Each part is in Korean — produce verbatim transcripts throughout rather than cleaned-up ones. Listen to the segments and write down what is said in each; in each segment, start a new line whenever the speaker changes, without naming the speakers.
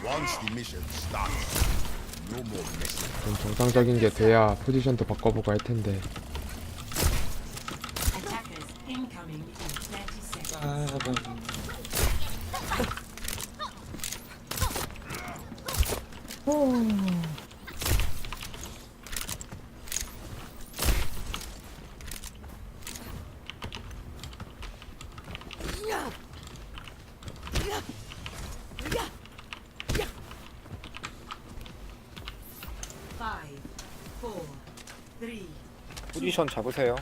좀 정상적인 게 돼야 포지션도 바꿔보고 할 텐데.
아, 뭐.
포지션 잡으세요.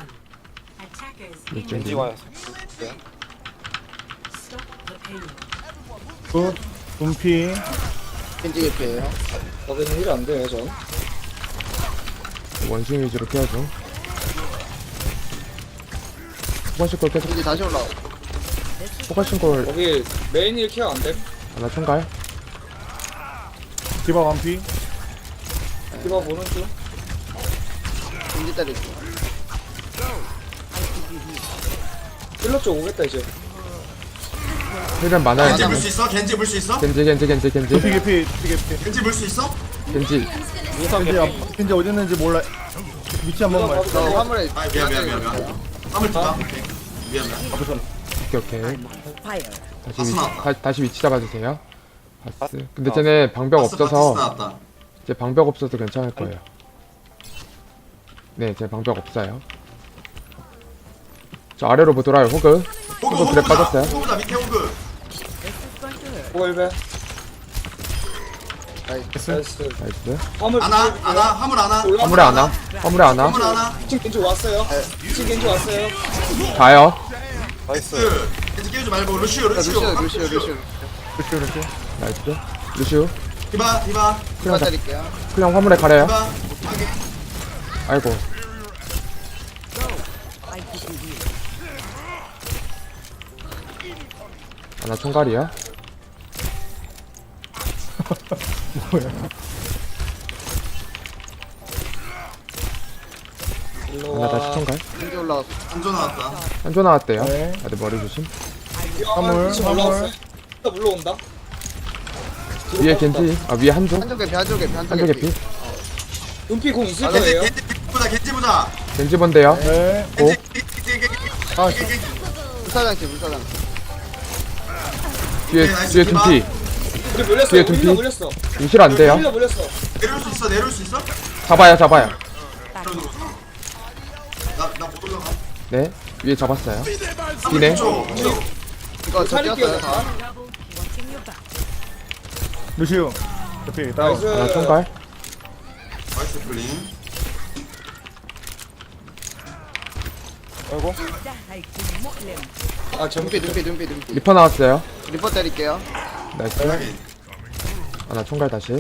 이쪽
겐지 와요.
굿. 분피.
겐지 개피에요.
저기는 일 안 돼요, 전.
원숭이 위주로 깨야죠. 포커싱 골 계속
겐지 다시 올라와.
포커싱 골
거기 메인 일 케어 안 돼.
하나 총갈.
디바 완피.
디바 보는 중.
겐지 때리고.
힐러 쪽 오겠다, 이제.
힐벤 많아요.
겐지 물 수 있어? 겐지 물 수 있어?
겐지 겐지 겐지 겐지
분피 개피. 분피 개피.
겐지 물 수 있어?
겐지.
우선
겐지,
개피.
앞- 겐지 어디 있는지 몰라. 위치 한 번만.
저 화물에.
아 미안 미안 미안 미안 화물 두다 오케이 미안 미안
오케이 오케이. 다시
바스
위치,
나왔다.
다, 다시 위치 잡아주세요. 바스. 근데 쟤네 방벽
바스 바티스
없어서
나왔다.
이제 방벽 없어서 괜찮을 거예요. 네, 제 방벽 없어요. 저 아래로 뭐 돌아요. 호그.
호그
호그 그래
호그다
빠졌어요.
호그다 밑에 호그
호일배
나이스.
나이스.
나이스.
화물.
안아 안아 화물 안아
화물에 안 와. 화물에 안 와.
화물 안아
이 층 겐지 왔어요. 이 층 겐지 왔어요.
가요.
나이스.
그 겐지 깨우지 말고 루시오
자,
루시오
루시오, 루시오, 루시오.
루시 루시.
나이스. 루시우.
디바 디바
디바 때릴게요.
그냥 화물에 가래요.
디바 하게
아이고. 하나 총갈이야?
일로
하나 다시
와.
총갈.
겐지 올라왔어.
안조 나왔다
한조 나왔대요.
네.
다들 머리 조심.
화물.
화물,
올라왔어요. 힐러 물러온다. 뒤로
위에
빠졌다.
겐지. 아 위에 한조.
한쪽 개피, 한쪽 개피, 한쪽
한조
개피.
개피.
눈피 공 있을
겐지
거예요.
겐지 보자 겐지 보자
겐지 본데요.
네.
오.
겐지 겐지 겐지
아,
겐지 겐지
불사장치, 불사장치.
뒤에
네, 나이스,
뒤에
디바.
둠피.
우리 물렸어.
뒤에
우리
둠피.
힐러 물렸어.
유실 안 돼요.
힐러 물렸어.
내려올 수 있어 내려올 수 있어?
잡아요 잡아요.
나나못 올라가
네. 위에 잡았어요. 뒤네.
쪽
이거 저
살릴게요.
뛰었어요, 다.
루시우. 개피. 다운.
나이스.
하나 총갈.
나이스 플링
아이고.
아, 전
눈피, 눈피, 눈피, 눈피.
리퍼 나왔어요.
리퍼 때릴게요.
나이스.
확인
하나 총갈 다시.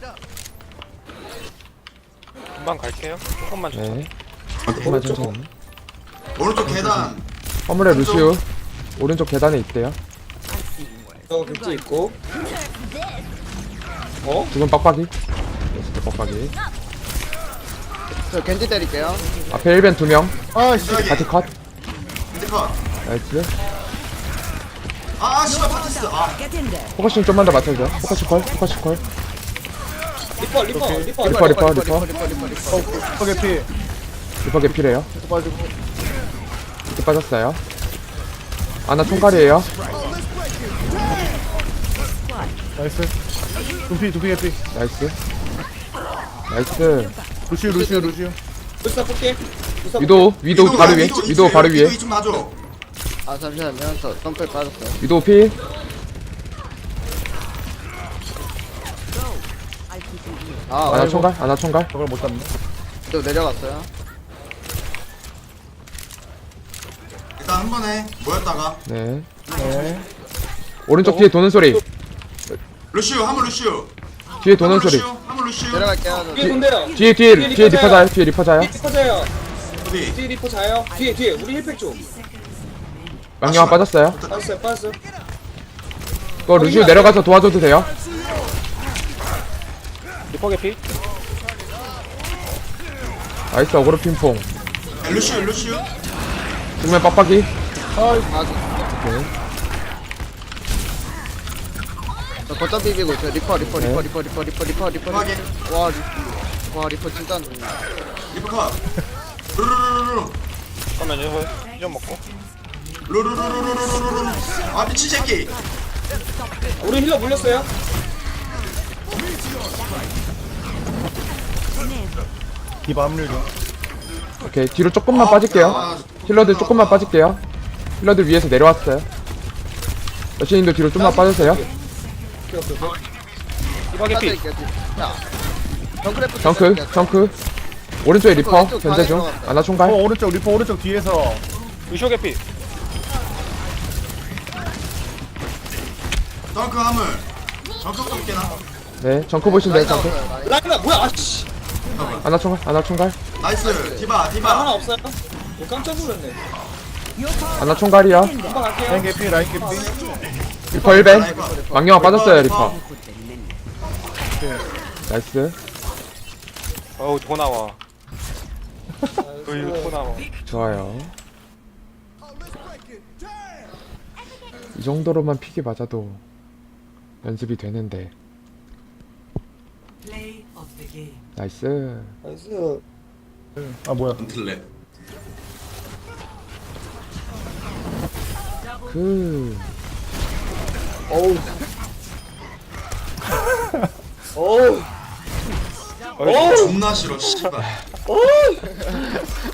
금방 갈게요. 조금만 줘.
네. 조금만 천천히.
오른쪽 계단
화물에 루시우. 오른쪽 계단에 있대요.
저 겐지 있고. 어?
두 분 빡빡이. 네, 빡빡이.
저 겐지 때릴게요.
앞에 일 벤 두 명.
아씨.
여기
같이 컷.
겐지 컷
나이스.
아 씨발 파티스 아
포커싱 좀만 더 맞춰줘. 포커싱 콜. 포커싱 콜.
리퍼, 리퍼, 리퍼.
리퍼 리퍼 리퍼.
리퍼, 리퍼, 리퍼, 리퍼.
어, 개피.
리퍼 개필해요.
계속 빠지고.
이렇게 빠졌어요. 아나 총갈이에요.
나이스. 분피, 두피 개피.
나이스. 나이스.
루시우, 루시우, 루시우.
불사 볼게. 불사
위도 위도 바로 위에. 위도 바로 위에.
좀 놔줘
아, 잠시만요. 저 덤펠 빠졌어요.
위도 필.
아,
아나
아이고.
총갈. 아나 총갈.
저걸 못 잡네.
또 내려갔어요.
일단 한 번에 모였다가
네.
네.
오른쪽 뒤에 도는 소리.
루시오 한번 루시오
뒤에 도는
한번
소리.
루시오 한번 루시오
내려갈게요. 저.
뒤에 돈대요.
뒤에 뒤에 뒤에 리퍼 자요. 뒤에 리퍼 자요.
뒤에 리퍼 자요.
어디
뒤에 리퍼 자요. 뒤에, 뒤에. 우리 힐팩 쪽.
망령아 빠졌어요.
빠졌어요, 빠졌어요.
그거 루시우 내려가서 도와줘도 돼요.
리퍼 개피.
나이스 어그로 핑퐁.
야, 루시오 루시오
정면 빡빡이.
아,
오케이.
저 거점 비비고 있어요. 리퍼 리퍼
네.
리퍼 리퍼 리퍼 리퍼 리퍼 리퍼
확인.
리퍼. 와 리퍼. 와 리퍼 진짜 안 좋네.
리퍼 컷. 루루루루루.
잠깐만요. 좀 먹고.
루루루루루루루루. 아 미친 새끼.
우리 힐러 물렸어요.
디바 합류 중.
오케이 뒤로 조금만 빠질게요. 힐러들 조금만 빠질게요. 힐러들 위에서 내려왔어요. 여신님도 뒤로 좀만 빠주세요.
디바 개피.
빠져있게. 자. 정크래프
정크 정크 오른쪽에 리퍼 견제 중. 아나
어
총괄.
오른쪽 리퍼 오른쪽 뒤에서.
루시오 개피.
덩크 화물. 덩크 꺾게 나.
네 정크 보시면 돼요. 정크.
라이나 뭐야? 아씨.
아나 총괄 아나 총괄.
나이스. 디바
나 하나
디바.
없어요. 오, 깜짝 놀랐네.
아나 총괄이요.
금방
라인
갈게요.
개피 라인 개피.
리퍼 일 벤. 망령아 빠졌어요 리퍼. 나이스.
어우 더 나와. 어휴 더 나와.
좋아요. 이 정도로만 픽이 맞아도 연습이 되는데. 나이스.
나이스.
아 뭐야?
틀레.
그
어우. 어우. 어우.
존나 싫어 씨발.
어우.